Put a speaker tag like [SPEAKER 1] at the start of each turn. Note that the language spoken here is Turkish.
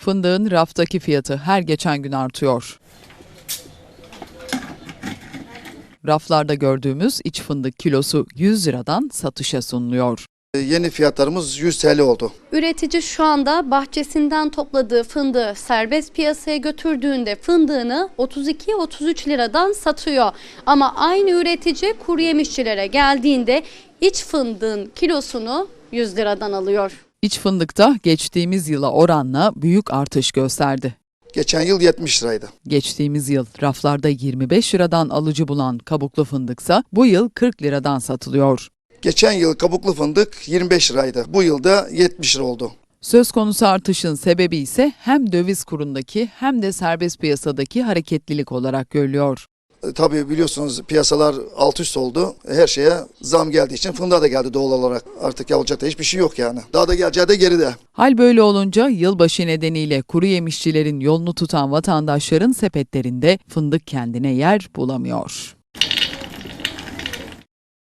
[SPEAKER 1] Fındığın raftaki fiyatı her geçen gün artıyor. Raflarda gördüğümüz iç fındık kilosu 100 liradan satışa sunuluyor.
[SPEAKER 2] Yeni fiyatlarımız 100 TL oldu.
[SPEAKER 3] Üretici şu anda bahçesinden topladığı fındığı serbest piyasaya götürdüğünde fındığını 32-33 liradan satıyor. Ama aynı üretici kuru yemişçilere geldiğinde iç fındığın kilosunu 100 liradan alıyor.
[SPEAKER 1] İç fındıkta geçtiğimiz yıla oranla büyük artış gösterdi.
[SPEAKER 2] Geçen yıl 70 liraydı.
[SPEAKER 1] Geçtiğimiz yıl raflarda 25 liradan alıcı bulan kabuklu fındıksa bu yıl 40 liradan satılıyor.
[SPEAKER 2] Geçen yıl kabuklu fındık 25 liraydı. Bu yılda 70 lira oldu.
[SPEAKER 1] Söz konusu artışın sebebi ise hem döviz kurundaki hem de serbest piyasadaki hareketlilik olarak görülüyor.
[SPEAKER 2] Tabii biliyorsunuz piyasalar alt üst oldu. Her şeye zam geldiği için fındığa da geldi doğal olarak. Artık yapılacak da hiçbir şey yok yani. Daha da geleceği de geride.
[SPEAKER 1] Hal böyle olunca yılbaşı nedeniyle kuru yemişçilerin yolunu tutan vatandaşların sepetlerinde fındık kendine yer bulamıyor.